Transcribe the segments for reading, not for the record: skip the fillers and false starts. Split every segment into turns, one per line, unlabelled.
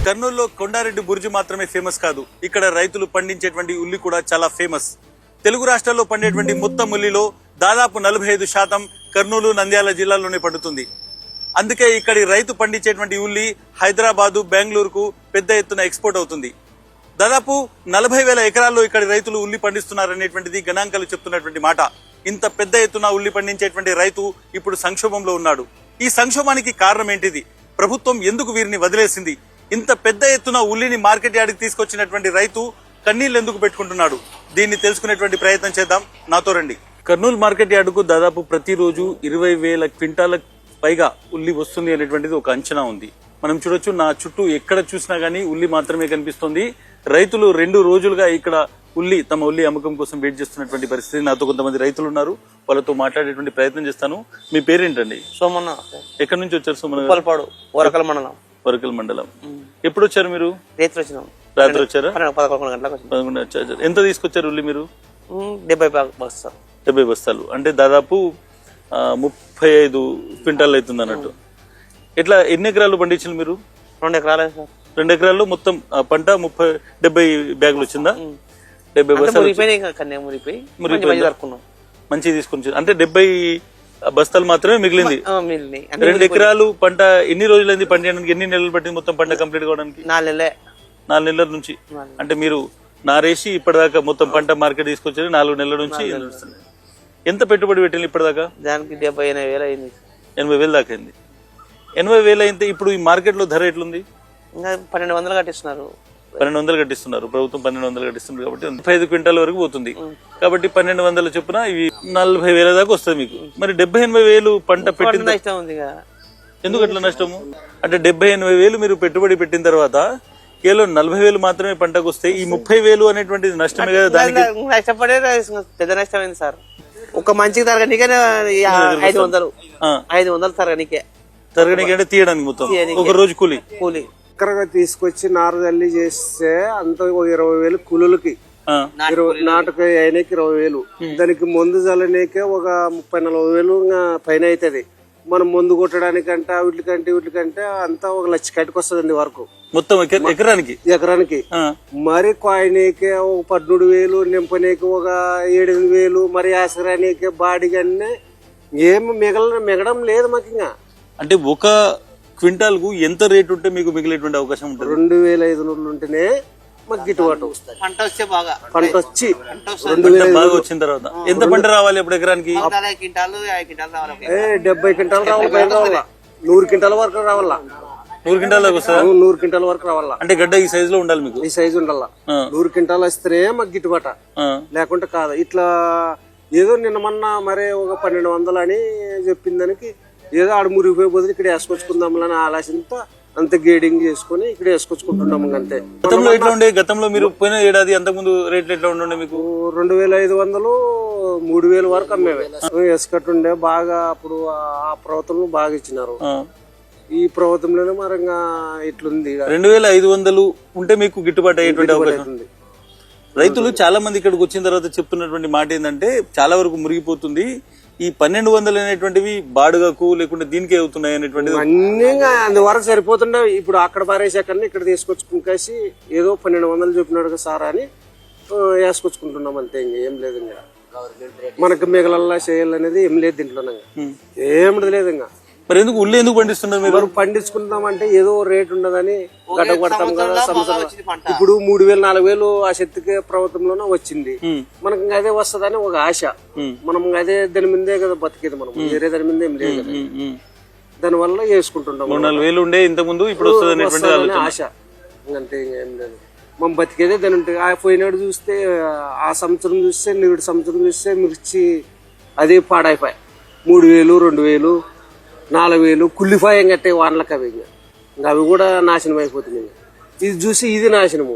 కర్నూలులో కొండారెడ్డి బుర్జు మాత్రమే ఫేమస్ కాదు, ఇక్కడ రైతులు పండించేటువంటి ఉల్లి కూడా చాలా ఫేమస్. తెలుగు రాష్ట్రాల్లో పండేటువంటి మొత్తం ఉల్లిలో దాదాపు 45% కర్నూలు, నంద్యాల జిల్లాల్లోనే పండుతుంది. అందుకే ఇక్కడి రైతు పండించేటువంటి ఉల్లి హైదరాబాదు, బెంగళూరుకు పెద్ద ఎత్తున ఎక్స్పోర్ట్ అవుతుంది. దాదాపు 40,000 ఎకరాల్లో ఇక్కడి రైతులు ఉల్లి పండిస్తున్నారనేటువంటిది గణాంకాలు చెప్తున్నటువంటి మాట. ఇంత పెద్ద ఎత్తున ఉల్లి పండించేటువంటి రైతు ఇప్పుడు సంక్షోభంలో ఉన్నాడు. ఈ సంక్షోభానికి కారణం ఏంటిది? ప్రభుత్వం ఎందుకు వీరిని వదిలేసింది? ఇంత పెద్ద ఎత్తున ఉల్లిని మార్కెట్ యార్డ్కి తీసుకొచ్చినటువంటి రైతు కన్నీళ్లు ఎందుకు పెట్టుకుంటున్నాడు? దీన్ని తెలుసుకునేటువంటి ప్రయత్నం చేద్దాం, నాతో రండి. కర్నూలు మార్కెట్ యార్డుకు దాదాపు ప్రతిరోజు 20,000 క్వింటాల పైగా ఉల్లి వస్తుంది అనేటువంటిది ఒక అంచనా ఉంది. మనం చూడొచ్చు, నా చుట్టూ ఎక్కడ చూసినా గానీ ఉల్లి మాత్రమే కనిపిస్తుంది. రైతులు 2 రోజులుగా ఇక్కడ తమ ఉల్లి అమ్మకం కోసం వెయిట్ చేస్తున్నటువంటి పరిస్థితి. నాతో కొంతమంది రైతులు ఉన్నారు, వాళ్ళతో మాట్లాడేటువంటి ప్రయత్నం చేస్తాను. మీ పేరేంటండి?
సోమన్న.
ఎక్కడి నుంచి వచ్చారు? సోమన్న.
వరకల్ మండలం.
వరకల్ మండలం. ఎప్పుడు వచ్చారు మీరు? రాత్రి వచ్చారా?
11 గంటలకు
వచ్చారు. ఎంత తీసుకొచ్చారు ఉల్లి మీరు?
70
బస్తాలు అంటే దాదాపు 35 క్వింటాల్ అవుతుంది అన్నట్టు. ఎట్లా ఎన్ని ఎకరాలు పండించారు మీరు?
2 ఎకరాలు.
2 ఎకరాల్లో మొత్తం పంట 70 బ్యాగులు వచ్చిందా? 70 బస్తాలు మంచి తీసుకొని, అంటే 70 బస్తాలు మాత్రమే మిగిలింది. 2 ఎకరాలు పంట ఎన్ని రోజులైంది పండించడానికి? ఎన్ని నెలలు పట్టింది మొత్తం పంట కంప్లీట్ కావడానికి? 4 నెలల నుంచి. అంటే మీరు నారేసి ఇప్పటిదాకా మొత్తం పంట మార్కెట్ తీసుకొచ్చారు 4 నెలల నుంచి. ఎంత పెట్టుబడి పెట్టింది ఇప్పటిదాకా?
దానికి 70,000 అయింది.
80,000 దాకా అయింది. 80,000 అయితే ఇప్పుడు ఈ మార్కెట్ లో ధర ఎట్లుంది?
1200 కట్టిస్తున్నారు.
1200 కట్టిస్తున్నారు, ప్రభుత్వం 1200 కట్టిస్తున్నారు కాబట్టి 35 క్వింటాల వరకు పోతుంది. కాబట్టి 1200 చొప్పున ఇవి 40,000 దాకా వస్తుంది మీకు. మరి 70,000-80,000 పంట పెట్టింది, ఎందుకు అట్లా నష్టము? అంటే 70,000-80,000 మీరు పెట్టుబడి పెట్టిన తర్వాత కేవలం 40,000 మాత్రమే పంటకు వస్తే ఈ 30,000 అనేటువంటిది నష్టమే కదా. దానికి
నష్టపడే పెద్ద నష్టమైంది సార్. ఒక మంచికి తరగనికే 500 తరగనికే
అంటే తీయడానికి మొత్తం ఒక రోజు కూలి
చక్కరగా తీసుకొచ్చి నారు తల్లి చేస్తే అంత 20,000 కూలీలకి, నాటుకు అయినకి 20,000, దానికి మందు చల్లనీకే ఒక 30,000-40,000 పైన అవుతుంది. మనం మందు కొట్టడానికంటే వీటికంటే అంతా 1,00,000 కట్టుకు వస్తుందండి వరకు
మొత్తం ఎకరానికి.
మరి కాయనీకే ఒక 13,000, నింపనీకి ఒక 7,000, మరి ఆసరానికి బాడిగన్నీ ఏమి మిగడం లేదు మాకు. ఇంకా
అంటే ఒక క్వింటాల్ కు ఎంత రేట్ ఉంటే మీకు మిగిలేటువంటి అవకాశం ఉంటుంది?
2,500 ఉంటేనే మాకు గిట్టుబాటు.
పంట వచ్చి
2,000
బాగా వచ్చిన తర్వాత ఎంత పంట రావాలి అప్పుడు ఎకరానికి?
70 క్వింటాలు రావాలి.
70 క్వింటాలు రావాలి, పైన రావాలా. 100 క్వింటాల వరకు రావాలా.
100 క్వింటాల దాకా వస్తుందా?
100 క్వింటాల వరకు రావాలా.
అంటే గడ్డ ఈ సైజ్ లో ఉండాలి మీకు?
ఈ సైజు ఉండాలా. 100 క్వింటాలు వస్తేనే మాకు గిట్టుబాట, లేకుంటే కాదు. ఇట్లా ఏదో నిన్న మొన్న మరే ఒక 1,200 అని చెప్పిన దానికి ఏదో ఆడ మురిగిపోయి బదులు ఇక్కడ వేసుకొచ్చుకుందామని ఆలోచనతో అంత గేడింగ్ చేసుకుని ఇక్కడ వేసుకొచ్చుకుంటున్నాము అంతే.
గతంలో ఎట్లా ఉండే? గతంలో మీరు పోయిన ఏడాది అంతకుముందు రేట్లు ఎట్లా ఉండే మీకు?
2,500, 3,000 వరకు అమ్మేవి. వేసుకట్టుండే బాగా. అప్పుడు ఆ ప్రభుత్వం బాగా ఇచ్చినారు. ఈ ప్రభుత్వంలోనే మరంగా ఇట్లుంది.
2,500 ఉంటే మీకు గిట్టుబాటు అయ్యేటువంటి అవకాశం ఉంది. రైతులు చాలా మంది ఇక్కడికి వచ్చిన తర్వాత చెప్తున్నటువంటి మాట ఏంటంటే చాలా వరకు మురిగిపోతుంది, ఈ 1,200 అనేటువంటివి బాడుగకు లేకుంటే దీనికే అవుతున్నాయి అనేటువంటిది.
అన్ని అందువరకు సరిపోతుండే. ఇప్పుడు అక్కడ పారేసాకన్నా ఇక్కడ తీసుకొచ్చుకుని ఏదో 1,200 చెప్పినాడు సార్ అని వేసుకొచ్చుకుంటున్నాం అంతే. ఇంకా ఏం లేదు. ఇంకా మనకు మిగలల్లా చేయాలనేది ఏం లేదు దీంట్లో. ఏమిటి లేదు. ఇంకా
మరి ఎందుకు ఉల్లి ఎందుకు పండిస్తున్నారు మీరు?
పండించుకుంటామంటే ఏదో రేట్ ఉండదని గడ్డ కొడతాం కదా సంవత్సరం. ఇప్పుడు 3,000-4,000 ఆ శక్తికి ప్రభుత్వంలోనే వచ్చింది. మనకు అదే వస్తుందని ఒక ఆశ. మనం అదే దాని మీదే కదా బతికేది. మనం వేరే దాని మీద ఏం లేదు కదా. దాని వల్ల వేసుకుంటున్నాం.
3,000-4,000 ఉండే ఇంత ముందు, ఇప్పుడు వస్తుంది
ఆశ. అంతే, ఇంకేం లేదు. మనం బతికేదే దాని ఉంటుంది. పోయినాడు చూస్తే, ఆ సంవత్సరం చూస్తే, నేడు సంవత్సరం చూస్తే మిర్చి అది పాడైపోయి 3,000, 2,000, 4,000 కుళ్ళిపాయం కట్టే వానలకు అవి. ఇంకా అవి కూడా నాశనం అయిపోతున్నాయి. ఇది చూసి ఇది నాశనము.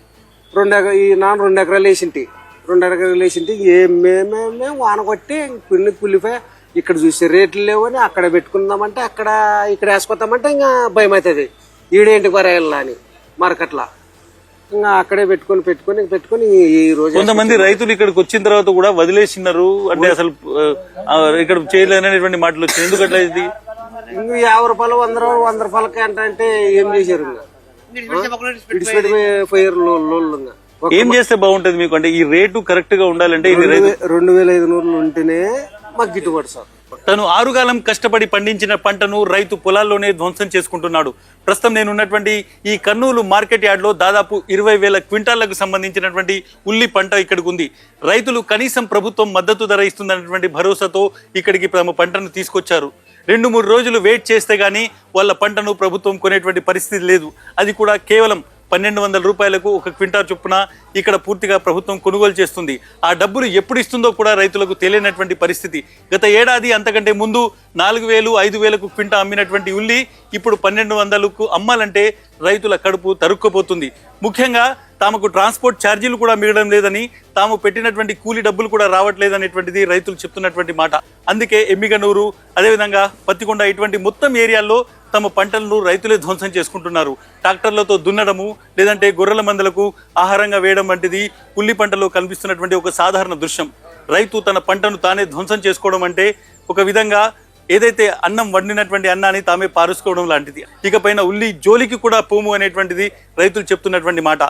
2 ఎకరాలు వేసింటి. 2 ఎకరాలు వేసింటి ఏమేమేమే వాన కొట్టి పిన్ని కుళ్ళిపాయ. ఇక్కడ చూసి రేట్లు లేవని అక్కడ పెట్టుకుందామంటే ఇక్కడ వేసుకొద్దామంటే ఇంకా భయం అవుతుంది. ఈడేంటి పరాయాలా అని మార్కెట్లా. ఇంకా అక్కడే పెట్టుకొని ఈ రోజు
కొంతమంది రైతులు ఇక్కడికి వచ్చిన తర్వాత కూడా వదిలేసినారు. అంటే అసలు ఇక్కడ చేయలేనటువంటి మాటలు వచ్చినాయి. ఎందుకు అట్లా? ఇది
50 రూపాయలు, 100 రూపాయలకి అంటే ఏం చేశారు? విడిచిపెట్టి పోయారు లోళ్ళుగా.
ఏం చేస్తే బాగుంటది మీకు? అంటే ఈ రేటు కరెక్ట్ గా ఉండాలంటే ఇది రైతు
2500 ఉంటేనే మాకు గిట్టుబాటు సార్.
తను ఆరుగాలం కష్టపడి పండించిన పంటను రైతు పొలాల్లోనే ధ్వంసం చేసుకుంటున్నాడు. ప్రస్తుతం నేను ఉన్నటువంటి ఈ కర్నూలు మార్కెట్ యార్డ్ లో దాదాపు 20,000 క్వింటాళ్లకు సంబంధించినటువంటి ఉల్లి పంట ఇక్కడికి ఉంది. రైతులు కనీసం ప్రభుత్వం మద్దతు ధర ఇస్తుందన్నటువంటి భరోసాతో ఇక్కడికి తమ పంటను తీసుకొచ్చారు. 2-3 రోజులు వెయిట్ చేస్తే గానీ వాళ్ళ పంటను ప్రభుత్వం కొనేటువంటి పరిస్థితి లేదు. అది కూడా కేవలం 1,200 రూపాయలకు ఒక క్వింటాల్ చొప్పున ఇక్కడ పూర్తిగా ప్రభుత్వం కొనుగోలు చేస్తుంది. ఆ డబ్బులు ఎప్పుడు ఇస్తుందో కూడా రైతులకు తెలియనటువంటి పరిస్థితి. గత ఏడాది అంతకంటే ముందు 4,000, 5,000కు క్వింటా అమ్మినటువంటి ఉల్లి ఇప్పుడు 1,200కు అమ్మాలంటే రైతుల కడుపు తరుక్కుపోతుంది. ముఖ్యంగా తమకు ట్రాన్స్పోర్ట్ ఛార్జీలు కూడా మిగలడం లేదని, తాము పెట్టినటువంటి కూలీ డబ్బులు కూడా రావట్లేదనేటువంటిది రైతులు చెప్తున్నటువంటి మాట. అందుకే ఎమ్మిగనూరు, అదేవిధంగా పత్తికొండ ఇటువంటి మొత్తం ఏరియాల్లో తమ పంటలను రైతులే ధ్వంసం చేసుకుంటున్నారు. ట్రాక్టర్లతో దున్నడము, లేదంటే గొర్రెల మందలకు ఆహారంగా వేయడం వంటిది ఉల్లి పంటలో కనిపిస్తున్నటువంటి ఒక సాధారణ దృశ్యం. రైతు తన పంటను తానే ధ్వంసం చేసుకోవడం అంటే ఒక విధంగా ఏదైతే అన్నం వండినటువంటి అన్నాన్ని తామే పారుసుకోవడం లాంటిది. ఇకపైన ఉల్లి జోలికి కూడా పోము అనేటువంటిది రైతులు చెప్తున్నటువంటి మాట.